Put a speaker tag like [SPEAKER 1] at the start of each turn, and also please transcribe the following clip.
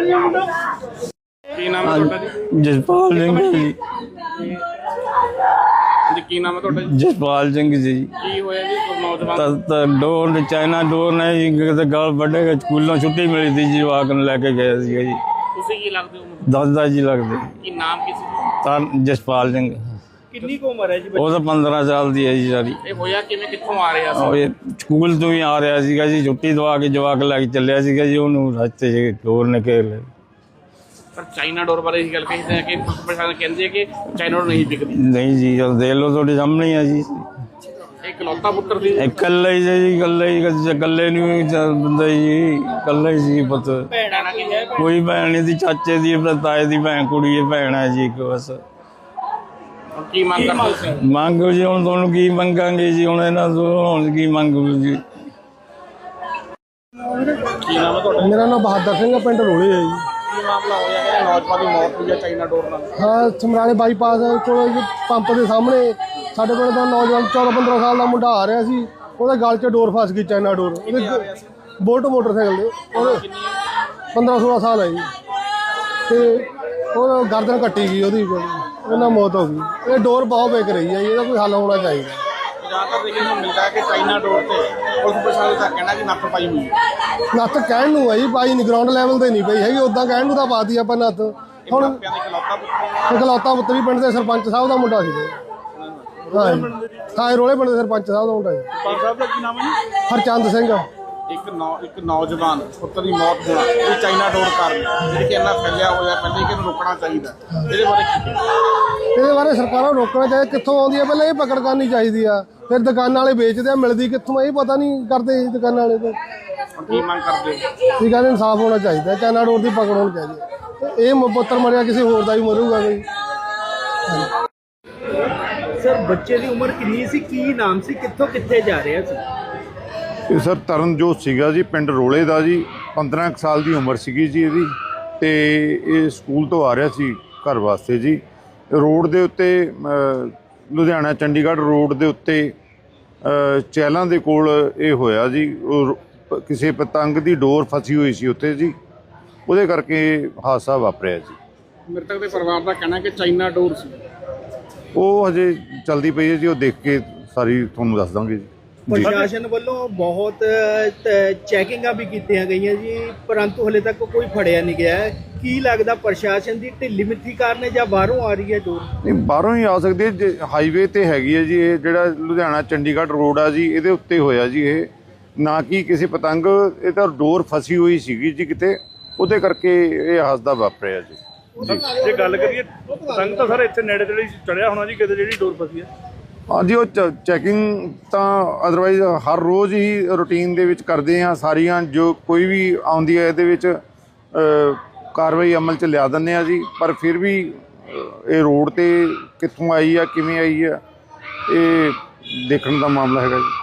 [SPEAKER 1] ਕੀ ਨਾਮ ਹੈ ਤੁਹਾਡਾ ਜੀ?
[SPEAKER 2] ਜਸਪਾਲ ਸਿੰਘ ਜੀ।
[SPEAKER 1] ਕੀ ਨਾਮ ਹੈ ਤੁਹਾਡਾ ਜੀ?
[SPEAKER 2] ਜਸਪਾਲ ਸਿੰਘ ਜੀ।
[SPEAKER 1] ਕੀ ਹੋਇਆ ਜੀ ਨੌਜਵਾਨ?
[SPEAKER 2] ਡੋਰ ਚਾਈਨਾ ਡੋਰ ਨੇ ਜੀ ਕਿਤੇ ਗਲ ਵੱਢੇ, ਸਕੂਲੋਂ ਛੁੱਟੀ ਮਿਲੀ ਸੀ ਜੀ, ਜਵਾਕ ਨੂੰ ਲੈ ਕੇ ਗਏ ਸੀਗੇ ਜੀ।
[SPEAKER 1] ਤੁਸੀਂ ਕੀ ਲੱਗਦੇ ਹੋ?
[SPEAKER 2] ਦਾਦਾ ਜੀ ਲੱਗਦੇ।
[SPEAKER 1] ਕੀ ਨਾਮ ਕੀ ਸੀ?
[SPEAKER 2] ਤਾਂ ਜਸਪਾਲ ਸਿੰਘ।
[SPEAKER 1] ਕਿੰਨੀ ਕੁ ਉਮਰ ਹੈ ਜੀ?
[SPEAKER 2] ਉਹ ਤਾਂ 15 ਸਾਲ ਦੀ ਹੈ ਜੀ ਸਾਰੀ।
[SPEAKER 1] ਇਹ ਹੋਇਆ ਕਿਵੇਂ, ਕਿੱਥੋਂ ਆ ਰਿਹਾ ਸੀ?
[SPEAKER 2] ਇਹ ਸਕੂਲ ਤੋਂ ਹੀ ਆ ਰਿਹਾ ਸੀਗਾ ਜੀ, ਛੁੱਟੀ ਦਵਾ ਕੇ ਜਵਾਕ ਲੈ ਕੇ ਚੱਲਿਆ ਸੀਗਾ ਜੀ, ਉਹਨੂੰ ਰਸਤੇ 'ਚ ਡੋਰ ਨੇ ਘੇਰ ਲਿਆ।
[SPEAKER 1] ਪਰ ਚਾਈਨਾ ਡੋਰ ਬਾਰੇ ਇਹ ਗੱਲ ਕਹਿੰਦੇ ਆ ਕਿ ਪ੍ਰਸ਼ਾਸਨ ਕਹਿੰਦੇ ਕਿ ਚਾਈਨਾ ਡੋਰ ਨਹੀਂ ਵਿਕਦੀ।
[SPEAKER 2] ਨਹੀਂ ਜੀ, ਉਹ ਦੇਖ ਲਓ ਤੁਹਾਡੇ ਸਾਹਮਣੇ ਹੀ ਆ ਜੀ।
[SPEAKER 1] ਇਕਲੌਤਾ ਪੁੱਤਰ ਸੀ?
[SPEAKER 2] ਇਕੱਲਾ ਹੀ ਜੀ, ਇਕੱਲੇ ਨੂੰ ਬੰਦਾ ਜੀ, ਇਕੱਲਾ ਹੀ ਸੀ ਪੁੱਤ।
[SPEAKER 1] ਭੈਣਾਂ ਨਾਲ ਕੀ ਹੈ?
[SPEAKER 2] ਕੋਈ ਭੈਣ ਨਹੀਂ ਸੀ, ਚਾਚੇ ਦੀ ਤਾਏ ਦੀ ਭੈਣ ਕੁੜੀ ਹੈ, ਭੈਣ ਹੈ ਜੀ ਇੱਕ ਬਸ।
[SPEAKER 1] ਕੀ ਮੰਗ ਕਰਦੇ ਸੀ?
[SPEAKER 2] ਮੰਗੋ ਜੀ, ਹੁਣ ਤੁਹਾਨੂੰ ਕੀ ਮੰਗਾਂਗੇ ਜੀ, ਹੁਣ ਇਹਨਾਂ ਤੋਂ ਹੁਣ ਕੀ ਮੰਗੋ ਜੀ।
[SPEAKER 1] ਕੀ ਨਾਮ ਹੈ ਤੁਹਾਡਾ?
[SPEAKER 3] ਮੇਰਾ ਨਾਮ ਬਹਾਦਰ ਸਿੰਘ ਹੈ, ਪਿੰਡ ਰੋਲੇ ਹੈ ਜੀ।
[SPEAKER 1] ਕੀ ਮਾਮਲਾ ਹੋਇਆ ਕਿ ਨੌਜਵਾਨ ਦੀ ਮੌਤ ਹੋਈ ਹੈ ਚਾਈਨਾ ਡੋਰ ਨਾਲ?
[SPEAKER 3] ਹਾਂ, ਸਮਰਾਲੇ ਬਾਈਪਾਸ ਕੋਲ ਪੰਪ ਦੇ ਸਾਹਮਣੇ ਸਾਡੇ ਕੋਲ ਦਾ ਨੌਜਵਾਨ 14-15 ਸਾਲ ਦਾ ਮੁੰਡਾ ਆ ਰਿਹਾ ਸੀ, ਉਹਦੇ ਗਲ 'ਚ ਡੋਰ ਫਸ ਗਈ, ਚਾਈਨਾ ਡੋਰ। ਉਹਦੇ ਬੋਲਟ ਮੋਟਰਸਾਈਕਲ ਦੇ, ਉਹਦੇ 15-16 ਸਾਲ ਹੈ ਜੀ, ਤੇ ਉਹ ਗਰਦਨ ਕੱਟੀ ਗਈ ਉਹਦੀ, ਉਹਨਾਂ ਮੌਤ ਹੋ ਗਈ। ਇਹ ਡੋਰ ਬਹੁਤ ਵਿਕ ਰਹੀ ਹੈ ਜੀ, ਇਹਦਾ ਕੋਈ ਹੱਲ ਹੋਣਾ ਚਾਹੀਦਾ।
[SPEAKER 1] ਜ਼ਿਆਦਾਤਰ ਦੇਖਣ ਨੂੰ ਮਿਲਦਾ ਹੈ ਕਿ ਚਾਈਨਾ ਡੋਰ ਤੇ ਪੁਲਿਸ ਪ੍ਰਸ਼ਾਸਨ ਦਾ ਕਹਿਣਾ ਕਿ ਨੱਥ ਪਾਈ ਹੋਈ ਹੈ।
[SPEAKER 3] ਨੱਥ ਕਹਿਣ ਨੂੰ ਹੈ ਜੀ, ਪਾਈ ਨਹੀਂ, ਗਰਾਊਂਡ ਲੈਵਲ ਤੇ ਨਹੀਂ ਪਈ ਹੈਗੀ, ਉੱਦਾਂ ਕਹਿਣ ਨੂੰ ਤਾਂ ਪਾਤੀ ਆਪਾਂ ਨੱਥ। ਹੁਣ ਇਕਲੌਤਾ ਪੁੱਤਰੀ ਪਿੰਡ ਦੇ ਸਰਪੰਚ ਸਾਹਿਬ ਦਾ ਮੁੰਡਾ ਸੀ। ਹਾਂ, ਰੋਲੇ ਪਿੰਡ ਦੇ ਸਰਪੰਚ ਸਾਹਿਬ ਦਾ ਮੁੰਡਾ ਜੀ।
[SPEAKER 1] ਸਰਪੰਚ ਸਾਹਿਬ ਦਾ ਕੀ ਨਾਮ ਹੈ ਜੀ?
[SPEAKER 3] ਹਰਚੰਦ ਸਿੰਘ।
[SPEAKER 1] ਇੱਕ ਨੌਜਵਾਨ ਪੁੱਤਰ ਦੀ ਮੌਤ ਹੋਣਾ ਇਹ ਚਾਈਨਾ ਡੋਰ ਕਾਰਨ, ਜਿਹੜੀ ਕਿ ਇੰਨਾ ਫੈਲਿਆ ਹੋਇਆ, ਪਹਿਲੇ ਕਿ ਇਹਨੂੰ ਰੋਕਣਾ ਚਾਹੀਦਾ। ਇਹਦੇ ਬਾਰੇ ਕੀ?
[SPEAKER 3] ਇਹਦੇ ਬਾਰੇ ਸਰਕਾਰਾਂ ਨੂੰ ਰੋਕਣਾ ਚਾਹੀਦਾ। ਕਿੱਥੋਂ ਆਉਂਦੀ ਹੈ, ਪਹਿਲਾਂ ਇਹ ਪਕੜ ਕਰਨੀ ਚਾਹੀਦੀ ਆ। ਫਿਰ ਦੁਕਾਨਾਂ ਵਾਲੇ ਵੇਚਦੇ ਆ, ਮਿਲਦੀ ਕਿੱਥੋਂ ਇਹ ਪਤਾ ਨਹੀਂ ਕਰਦੇ ਦੁਕਾਨਾਂ ਵਾਲੇ। ਤਾਂ
[SPEAKER 1] ਕੀ ਮੰਗ ਕਰਦੇ?
[SPEAKER 3] ਇਹ ਕਹਿੰਦੇ ਇਨਸਾਫ ਹੋਣਾ ਚਾਹੀਦਾ, ਚਾਈਨਾ ਡੋਰ ਦੀ ਪਕੜ ਹੋਣੀ ਚਾਹੀਦੀ। ਇਹ ਪੁੱਤਰ ਮਰਿਆ, ਕਿਸੇ ਹੋਰ ਦਾ ਵੀ ਮਰੂਗਾ ਕੋਈ।
[SPEAKER 4] ਸਰ, ਬੱਚੇ ਦੀ ਉਮਰ ਕਿੰਨੀ ਸੀ, ਕੀ ਨਾਮ ਸੀ, ਕਿੱਥੋਂ ਕਿੱਥੇ ਜਾ ਰਿਹਾ ਸੀ?
[SPEAKER 5] ਇਹ ਸਰ ਤਰਨਜੋਤ ਸੀਗਾ ਜੀ, ਪਿੰਡ ਰੋਲੇ ਦਾ ਜੀ। 15 ਕੁ ਸਾਲ ਦੀ ਉਮਰ ਸੀਗੀ ਜੀ ਇਹਦੀ, ਤੇ ਇਹ ਸਕੂਲ ਤੋਂ ਆ ਰਿਹਾ ਸੀ ਘਰ ਵਾਸਤੇ ਜੀ। ਰੋਡ ਦੇ ਉੱਤੇ ਲੁਧਿਆਣਾ ਚੰਡੀਗੜ੍ਹ ਰੋਡ ਦੇ ਉੱਤੇ ਚਹਿਲਾਂ ਦੇ ਕੋਲ ਇਹ ਹੋਇਆ ਜੀ। ਕਿਸੇ ਪਤੰਗ ਦੀ ਡੋਰ ਫਸੀ ਹੋਈ ਸੀ ਉੱਥੇ ਜੀ, ਉਹਦੇ ਕਰਕੇ ਹਾਦਸਾ ਵਾਪਰਿਆ ਜੀ।
[SPEAKER 1] ਮ੍ਰਿਤਕ ਦੇ ਪਰਿਵਾਰ ਦਾ ਕਹਿਣਾ ਕਿ ਚਾਈਨਾ ਡੋਰ ਸੀ।
[SPEAKER 5] ਉਹ ਹਜੇ ਚਲਦੀ ਪਈ ਹੈ ਜੀ, ਉਹ ਦੇਖ ਕੇ ਸਾਰੀ ਤੁਹਾਨੂੰ ਦੱਸ ਦਾਂਗੇ ਜੀ।
[SPEAKER 4] ਪ੍ਰਸ਼ਾਸਨ ਵੱਲੋਂ ਬਹੁਤ ਚੈਕਿੰਗਾਂ ਵੀ ਕੀਤੀਆਂ ਗਈਆਂ ਜੀ, ਪਰੰਤੂ ਹਲੇ ਤੱਕ ਕੋਈ ਫੜਿਆ ਨਹੀਂ ਗਿਆ। ਕੀ ਲੱਗਦਾ ਪ੍ਰਸ਼ਾਸਨ ਦੀ ਢਿੱਲੀ ਮਿੱਠੀ ਕਾਰਨ ਹੈ ਜਾਂ ਬਾਹਰੋਂ ਆ ਰਹੀ ਹੈ ਡੋਰ?
[SPEAKER 5] ਨਹੀਂ, ਬਾਹਰੋਂ ਹੀ ਆ ਸਕਦੀ ਹੈ। ਹਾਈਵੇ ਤੇ ਹੈਗੀ ਹੈ ਜੀ, ਇਹ ਜਿਹੜਾ ਲੁਧਿਆਣਾ ਚੰਡੀਗੜ੍ਹ ਰੋਡ ਆ ਜੀ, ਇਹਦੇ ਉੱਤੇ ਹੋਇਆ ਜੀ ਇਹ, ਨਾ ਕਿ ਕਿਸੇ ਪਤੰਗ। ਇਹ ਤਾਂ ਡੋਰ ਫਸੀ ਹੋਈ ਸੀਗੀ ਜੀ ਕਿਤੇ, ਉਹਦੇ ਕਰਕੇ ਇਹ ਹਾਦਸਾ ਵਾਪਰਿਆ ਜੀ।
[SPEAKER 6] ਜੇ ਗੱਲ ਕਰੀਏ ਪਤੰਗ ਤਾਂ ਸਰ ਇੱਥੇ ਨੇੜੇ ਤੇੜੇ ਚੜਿਆ ਹੋਣਾ ਜੀ ਕਿਤੇ, ਜਿਹੜੀ ਡੋਰ ਫਸੀ ਹੈ।
[SPEAKER 5] ਹਾਂਜੀ, ਉਹ ਚੈਕਿੰਗ ਤਾਂ ਅਦਰਵਾਈਜ਼ ਹਰ ਰੋਜ਼ ਹੀ ਰੂਟੀਨ ਦੇ ਵਿੱਚ ਕਰਦੇ ਹਾਂ। ਸਾਰੀਆਂ ਜੋ ਕੋਈ ਵੀ ਆਉਂਦੀ ਹੈ ਇਹਦੇ ਵਿੱਚ ਕਾਰਵਾਈ ਅਮਲ 'ਚ ਲਿਆ ਦਿੰਦੇ ਹਾਂ ਜੀ। ਪਰ ਫਿਰ ਵੀ ਇਹ ਰੋਡ 'ਤੇ ਕਿੱਥੋਂ ਆਈ ਆ, ਕਿਵੇਂ ਆਈ ਆ, ਇਹ ਦੇਖਣ ਦਾ ਮਾਮਲਾ ਹੈਗਾ ਜੀ।